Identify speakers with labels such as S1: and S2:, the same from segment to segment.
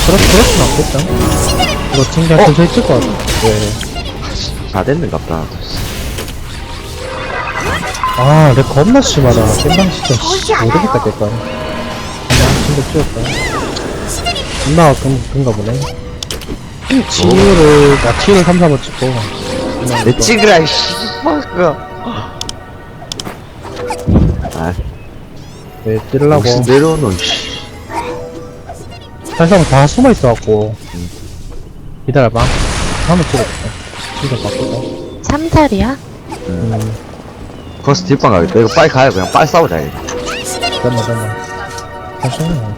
S1: 그렇진 않겠다. 이거 진짜 근처 있을 것 같아. 네.
S2: 다 됐는갑다.
S1: 아, 내 겁나 심하다. 깸방 진짜, 모르겠다, 깰까. 그냥, 진짜 찍었다. 존나 그런가 보네. 치유를, 나 치유를 3, 4번 찍고.
S2: 내 찍으라, 이 씨발가. 아,
S1: 왜 찌르려고.
S2: 무슨 내려오노, 씨.
S1: 사실상 다 숨어 있어갖고. 기다려봐. 한번 찍어볼게. 진짜 바꾸자.
S3: 3살이야?
S2: 거기서 뒷방 가겠다. 이거 빨리 가요. 그냥 빨리 싸우자, 이거.
S1: 잠깐만. 괜찮아.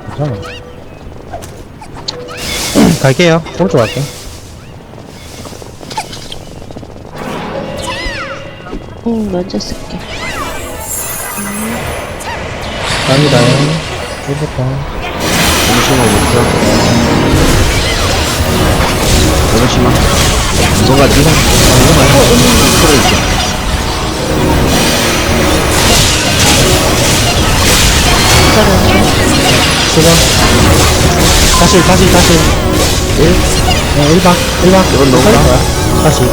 S1: 갈게요. 오른쪽 갈게.
S3: 먼저 쓸게.
S1: 갑니다. 1부터.
S2: 잠시만, 못해. 잠시만. 뭔가 지금,
S1: 수고. 다시. 1? 네, 1박.
S2: 이건 너무나?
S1: 다시 2번.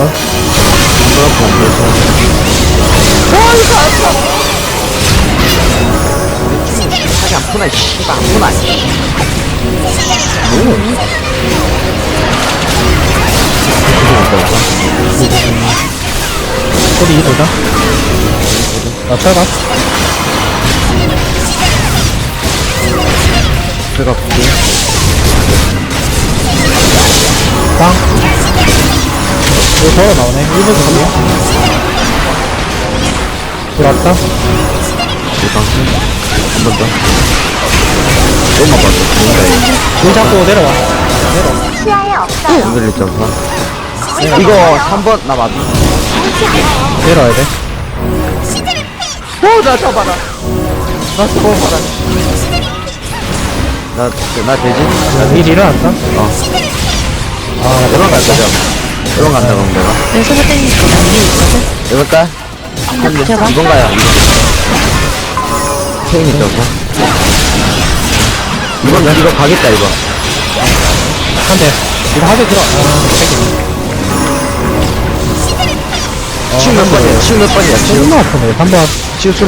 S2: 하지 않구나, 씨발, 않구나, 씨.
S1: 소리 2보다. 나 철갑.
S2: 제가 볼게.
S1: 빵. 이거 걸어 나오네. 1번 가면. 들어왔다.
S2: 한 번 더. 조금만 봐줘.
S1: 물 잡고 내려와.
S2: 흔들릴 점사. 이거 3번, 나 맞아.
S1: 내려와야 돼.
S2: 나 잡아라. 나 잡아라. 나 되지?
S1: 일 일어났다.
S2: 아, 이런 갈 거죠? 이런 간다, 그럼 내가.
S3: 내 손을 땡기고 나 위에 있거든?
S2: 이번 갈?
S3: 제발.
S2: 이번 가요, 이번. 체인이 점사. 이거 가겠다, 이거.
S1: 한 대. 이거 한 대 들어.
S2: 치우 몇 번이야? 치우 몇 번이야? 치우.
S1: 존나 아프네. 한 번.
S2: 치우 수면?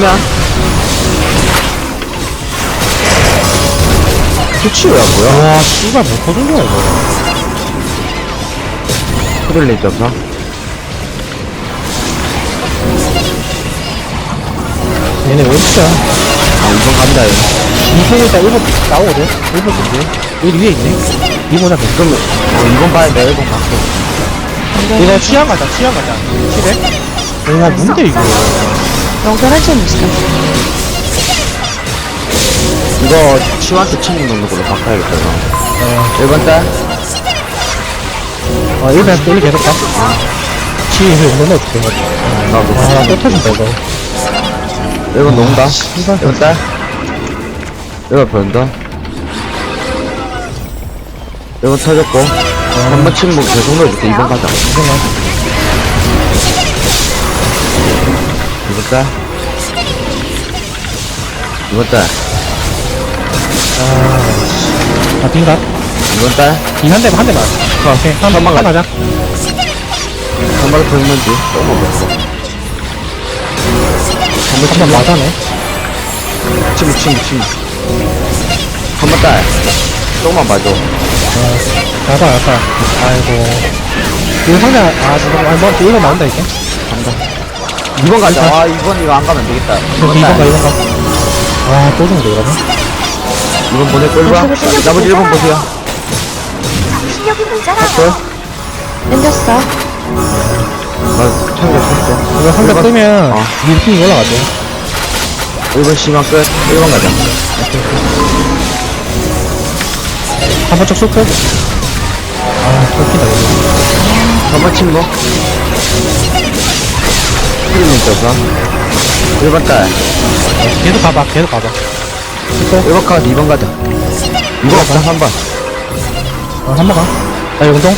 S2: 치우야, 뭐야?
S1: 와, 씨발, 못 터진 거야, 이거.
S2: 흔들릴 점사.
S1: 얘네 왜 진짜?
S2: 아, 이번 갑니다, 이거.
S1: 이성이 일단 1번 나오거든? 1번 준비. 여기 위에 있네. 2번 잡고.
S2: 그럼, 이번 봐야 돼, 이번 갈게.
S1: 이거 취향 가자. 치래? 와, 뭔데, 이거.
S3: 연결할 수 있어.
S2: 이거, 치우한테 치는 넣는 걸로 바꿔야겠다, 이거. 1번 딸?
S1: 1번 1 계속 가. 치를 넣어줄게.
S2: 나도.
S1: 아, 또 터진다, 이거.
S2: 1번 농다.
S1: 씨발.
S2: 1번 딸? 1번 변다. 1번 터졌고. 한 번 치면 계속 넣어줄게. 2번 가자. 2번 딸? 2번 딸?
S1: 아, 빙가?
S2: 2번 딸?
S1: 한 대만. 오케이. 한번 가자.
S2: 한 마리 더 있는지. 조금만 먹어.
S1: 한번 맞아네.
S2: 치무. 한 번 딸. 조금만 봐줘.
S1: 가봐. 아이고. 이거 상대, 지금, 뭐, 이거 나온다, 이제.
S2: 간다. 2번 가자. 아, 2번 이거 안 가면 안 되겠다. 2번
S1: 2번
S2: 딸.
S1: 가. 아, 또 정도, 이러면?
S2: 2번 보낼 걸봐. 나머지 1번 보세요.
S4: 실력이 모자라.
S2: 됐어?
S3: 땡겼어.
S2: 나 챙겼어.
S1: 이거 상대
S2: 일번-
S1: 뜨면,
S2: 어.
S1: 밀킹이 올라가죠.
S2: 1번 심한 끝. 1번 가자.
S1: 한번 쭉 쏠게. 아, 웃기다, 이거.
S2: 3번 침묵. 흐르는 떠서. 1번 딸.
S1: 계속 가봐.
S2: 1번 가, 2번 가자. 2번 없다, 3번.
S1: 한번 가. 나 용동.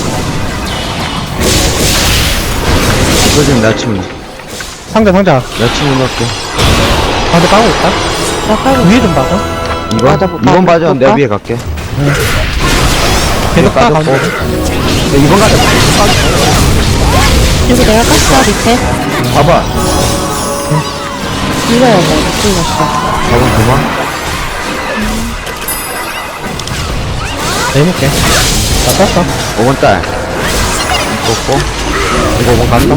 S2: 이거 지금 나 침묵.
S1: 상자.
S2: 나 침묵 넣을게.
S1: 상대 까고 있다.
S3: 나 깔고
S1: 위에 좀 봐줘.
S2: 2번?
S3: 맞아, 못
S2: 2번
S3: 봐.
S2: 봐줘.
S3: 못
S2: 내가
S3: 봐.
S2: 위에 갈게.
S1: 계속 가,
S2: 빠졌고.
S1: 가운데.
S2: 네, 이번 가자.
S3: 여기 내가 깠어, 밑에.
S2: 봐봐.
S3: 이거야, 뭐, 못 뚫렸어.
S2: 4번 그만.
S1: 내볼게. 나 떴어.
S2: 5번 딸. 뽑고. 이거 5번 간다.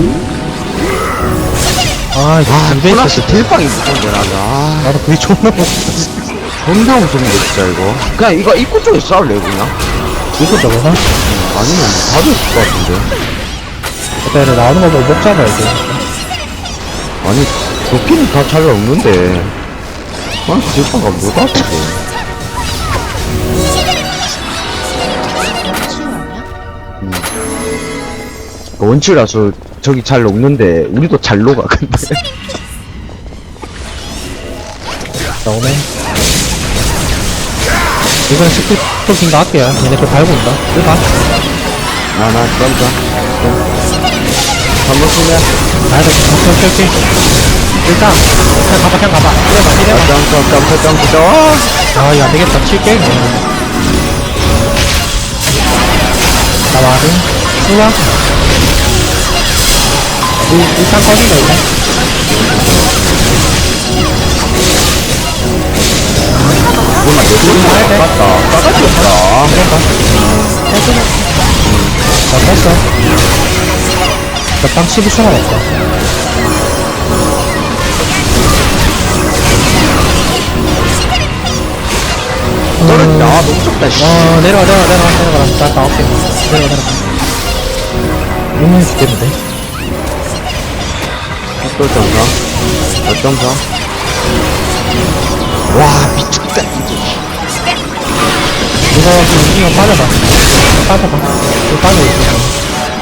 S1: 아, 이거
S2: 아,
S1: 두 배 있어.
S2: 플러스 딜빵이 무서운데, 나도. 아,
S1: 나도 그게 존나 무서워.
S2: 존나 무서운데, 진짜, 이거. 그냥 이거 입구 쪽에 싸울래, 그냥?
S1: 이거 저거나?
S2: 아니면 봐도 있을 것 같은데.
S1: 그때 나오는 거 보고 목 잡아야지.
S2: 아니, 도끼는 다 잘 없는데. 아, 딜빵가 못 왔어. 원치라서 저기 잘 녹는데 우리도 잘 녹아 근데
S1: 나오네. 이번엔 스피커킹가 할게요. 얘네 그 밟고 온다. 일반.
S2: 나나 던져 한번 쓰면
S1: 가야 돼. 오케이. 일단, 그냥 가봐. 이래봐.
S2: 점점
S1: 아, 이거 안 되겠다. 칠게. 나 와드. 수박. 일단 꺼진다, 이거.
S2: 뭐나 내
S1: 가야 돼.
S2: 맞다 싸가지 없다
S1: 나 뺐어. 나땅 12초 남았어.
S2: 떨어진다 아 너무 좁다 씨
S1: 내려가. 나 나올게. 내려가. 죽겠는데?
S2: 또 점점 와 미쳤다
S1: 이거 지금 움직이면 빠져봐. 이거 빠져 있어.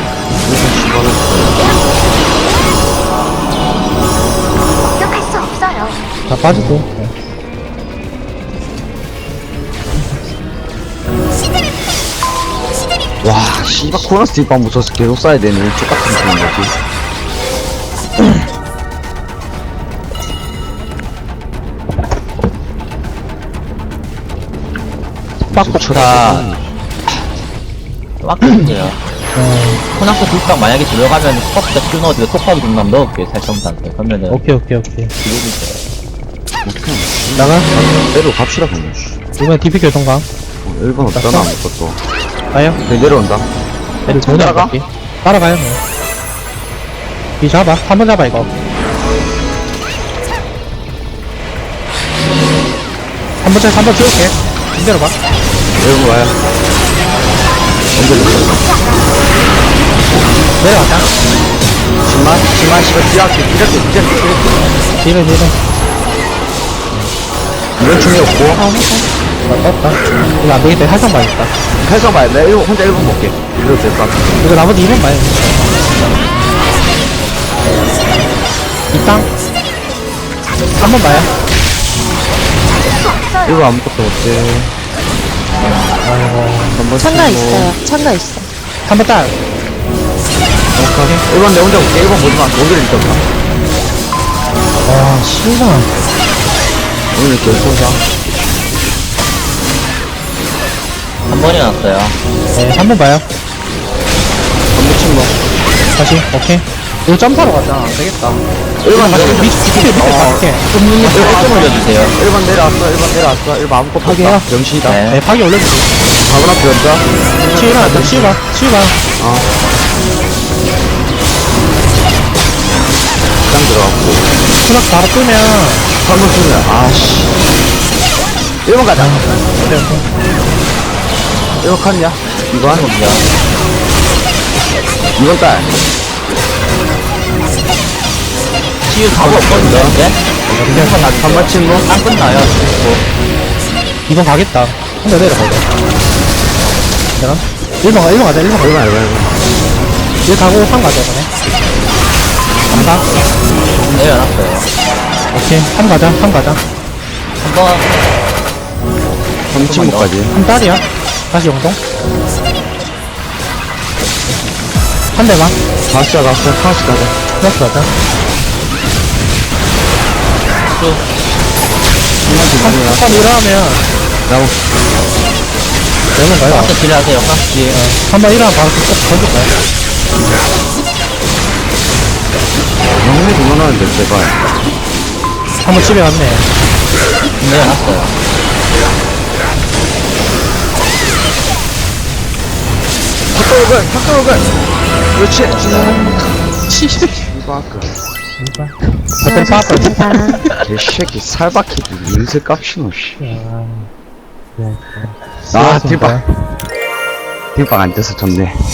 S4: 공격할 수 없어요.
S1: 다 빠지고.
S2: 와 씨발 코너스 딜빵 무서워서 계속 쏴야 되네 똑같은 그런 거지
S1: 빡빡다.
S5: 막혔어요. 코낙스 불빵 만약에 들어가면 컵부터 큐 넣어주고 톡하기 좀 한번 넣을게요, 살성한테. 그러면은
S1: 오케이.
S5: 기록이 있어요.
S1: 나가.
S2: 내려 갑시다 그냥
S1: 이번에 DP 교통강.
S2: 1번 없잖아 아무것도
S1: 가요.
S2: 내려온다
S1: 애들 돈
S2: 따라가?
S1: 나갈게. 따라가요, 뭐. 이 잡아. 한번 잡아, 이거. 한번 줄게. 힘들어봐.
S2: 여러분 와요 언제
S1: 내려왔다.
S2: 10만 씨발 뒤할게
S1: 뒤로.
S2: 이런 충이 없고
S1: 나 떴다. 이거 안 되겠다. 할상 봐야겠다.
S2: 해서 봐야 돼 혼자 1번 볼게 이래도 될것 같아
S1: 이거 나머지 2번 봐요. 이 땅. 한번 봐요.
S2: 이거 아무것도 없지 한번
S3: 창가 있어요. 창가 있어.
S1: 한번 딸.
S2: 1번 내 혼자 볼게 1번 보지마 오늘 일단
S1: 와, 신나.
S2: 오늘 결승상
S5: 한 번이 났어요.
S1: 네, 한번 봐요.
S2: 전부 친구
S1: 다시. 오케이. 이거 점프하러 가자. 안 되겠다.
S2: 1번
S1: 다시 밑에 갈게.
S5: 1점 올려주세요.
S2: 1번 내려왔어 1번 아무것도
S1: 파괴야?
S2: 없다 명신이다
S5: 네.
S1: 네, 파기 올려주고.
S2: 4번 앞에 연자
S1: 치유봐.
S2: 짱 들어갔고
S1: 수락 바로 끄면.
S2: 3번 쓰면 아씨 1번 가자
S1: 오케이.
S2: 1번 칸이야 2번
S5: 어디야?
S2: 2번 딸
S5: 치유 답 없거든요, 이제?
S2: 3번 친구
S5: 안 끝나요.
S1: 2번 가겠다. 혼자 내려가자. 되나? 1번 가자.
S2: 1번
S1: 얘 가고 3 가자, 이번에. 3 가.
S5: 내려놨어요.
S1: 오케이. 3 가자.
S5: 한 번,
S2: 3 친구까지
S1: 3 딸이야. 다시 용동. 한 대만.
S2: 갔어 하나씩 가자
S1: 플러스 가자.
S5: 쭉.
S2: 3번 뒷문이야
S1: 한 일어나면.
S2: 나무
S1: 되는 가요.
S5: 프랑스 딜 하세요, 프랑스 딜.
S1: 한번 일어나면 바로 쭉 던질까요?
S2: 너무 그만하는데, 제발.
S1: 한번 집에 갔네.
S5: 내려놨어요.
S2: 탁가오글! 그렇지! 이바크.
S1: 배터리 빠졌다.
S3: 감사합니다.
S2: 개새끼, 살바퀴도 인쇄 깝시노, 씨.
S1: 네.
S2: 아, 딜빵. 딜빵 안 돼서 좋네.